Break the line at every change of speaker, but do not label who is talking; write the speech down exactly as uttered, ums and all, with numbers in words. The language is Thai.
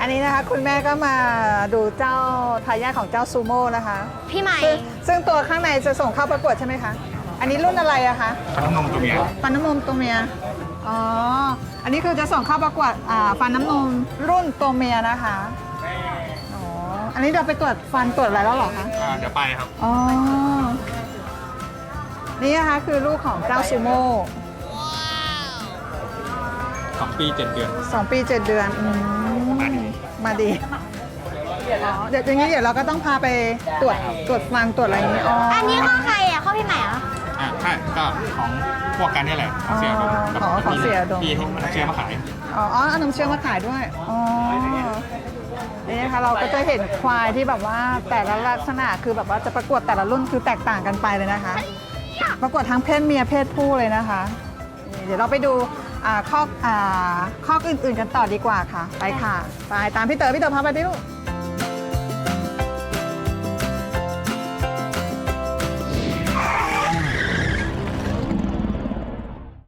นนี้นะคะคุณแม่ก็มาดูเจ้าทายาทของเจ้าซูโม่นะคะ
พี่ใหม่
ซึ่งซึ่งตัวข้างในจะส่งเข้าประกวดใช่ไหมคะอันนี้รุ่นอะไรอะคะ
ฟันน้ำนมตัวเมีย
ฟันน้ำนมตัวเมียอ๋ออันนี้คือจะส่งเข้าประกวดอ่าฟันน้ำนมรุ่นตัวเมียนะคะอ๋ออันนี้เราไปตรวจฟันตรวจอะไรแล้วเหรอคะ
อ่าเดี๋ยวไปครับ
อ๋อนี่นะคะคือลูกของเจ้าซูโม่
สองปีเจ็ดเดือน
สองปีเจ็ดเดือนอืม
มาดี
มาดีอ๋อเดี๋ยวอย่างนี้เดี๋ยวเราก็ต้องพาไปตรวจตรวจฟันตรวจอะไรอย่างนี้อ๋อ
อั
อั
นนี้ข้อใครอ่ะข้อพี่ใหม่เหรอ
อ่าใช่ก็ของพวกกันนี่แหละของเสียดมกับ
อ๋อของเสียดม
ที่เชื่อมาขาย
อ๋ออ๋อเอานมเชื่อมมาขายด้วยอ๋อนี่นะคะเราก็จะเห็นควายที่แบบว่าแต่ละลักษณะคือแบบว่าจะประกวดแต่ละรุ่นคือแตกต่างกันไปเลยนะคะ ประกวดทั้งเพศเมียเพศผู้เลยนะคะนี่เดี๋ยวเราไปดูอ่าข้ออ่าข้ออื่นๆกันต่อดีกว่าค่ะไปค่ะไปตามพี่เต๋อพี่เต๋อพาไปดิลูก